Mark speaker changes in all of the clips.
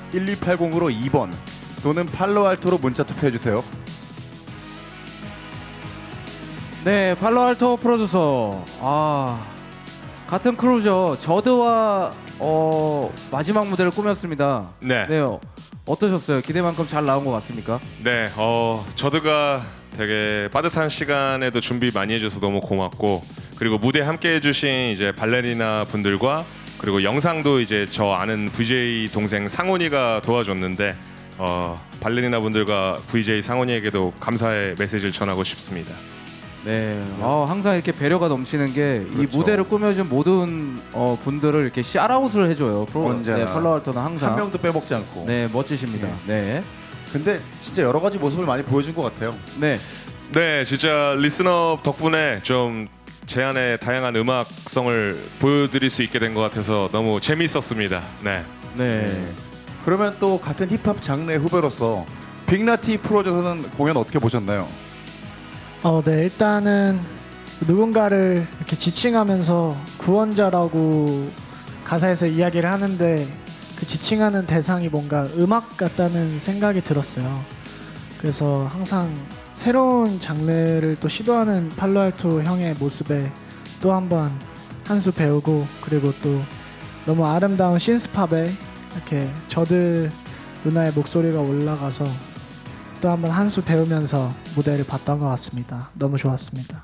Speaker 1: 1280으로 2번 또는 팔로알토로 문자 투표해주세요.
Speaker 2: 네, 팔로알토 프로듀서. 같은 크루죠. 저드와 마지막 무대를 꾸몄습니다.
Speaker 3: 네.
Speaker 2: 어떠셨어요? 기대만큼 잘 나온 것 같습니까?
Speaker 3: 네, 저드가 되게 빠듯한 시간에도 준비 많이 해줘서 너무 고맙고, 그리고 무대 함께 해주신 이제 발레리나 분들과 그리고 영상도 이제 저 아는 VJ 동생 상훈이가 도와줬는데 발레리나 분들과 VJ 상훈이에게도 감사의 메시지를 전하고 싶습니다.
Speaker 2: 네, 항상 이렇게 배려가 넘치는 게 이
Speaker 1: 그렇죠.
Speaker 2: 무대를 꾸며준 모든 분들을 이렇게 샤라웃을 해줘요.
Speaker 1: 언제나.
Speaker 2: 네, 팔로알토는 항상
Speaker 1: 한 명도 빼먹지 않고.
Speaker 2: 네, 멋지십니다. 네,
Speaker 1: 근데 진짜 여러 가지 모습을 많이 보여준 것 같아요.
Speaker 2: 네,
Speaker 3: 네, 진짜 리스너 덕분에 좀 제 안에 다양한 음악성을 보여드릴 수 있게 된 것 같아서 너무 재미있었습니다. 네.
Speaker 2: 네.
Speaker 1: 그러면 또 같은 힙합 장르의 후배로서 빅나티 프로듀서는 공연 어떻게 보셨나요?
Speaker 4: 네, 일단은 누군가를 이렇게 지칭하면서 구원자라고 가사에서 이야기를 하는데 그 지칭하는 대상이 뭔가 음악 같다는 생각이 들었어요. 그래서 항상 새로운 장르를 또 시도하는 팔로알토 형의 모습에 또 한 번 한 수 배우고, 그리고 또 너무 아름다운 신스팝에 이렇게 저드 누나의 목소리가 올라가서 또 한 번 한 수 배우면서 무대를 봤던 것 같습니다. 너무 좋았습니다.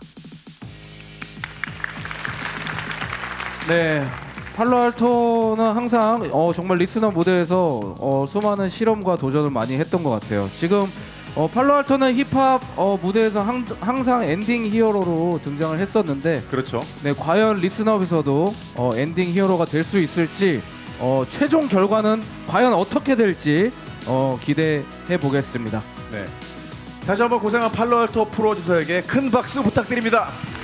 Speaker 2: 네, 팔로알토는 항상 정말 리스너 무대에서 수많은 실험과 도전을 많이 했던 것 같아요. 지금 팔로알토는 힙합 무대에서 항상 엔딩 히어로로 등장을 했었는데,
Speaker 1: 그렇죠.
Speaker 2: 네, 과연 리스너에서도 엔딩 히어로가 될 수 있을지, 최종 결과는 과연 어떻게 될지 기대해 보겠습니다.
Speaker 1: 네. 다시 한번 고생한 팔로알토 프로듀서에게 큰 박수 부탁드립니다.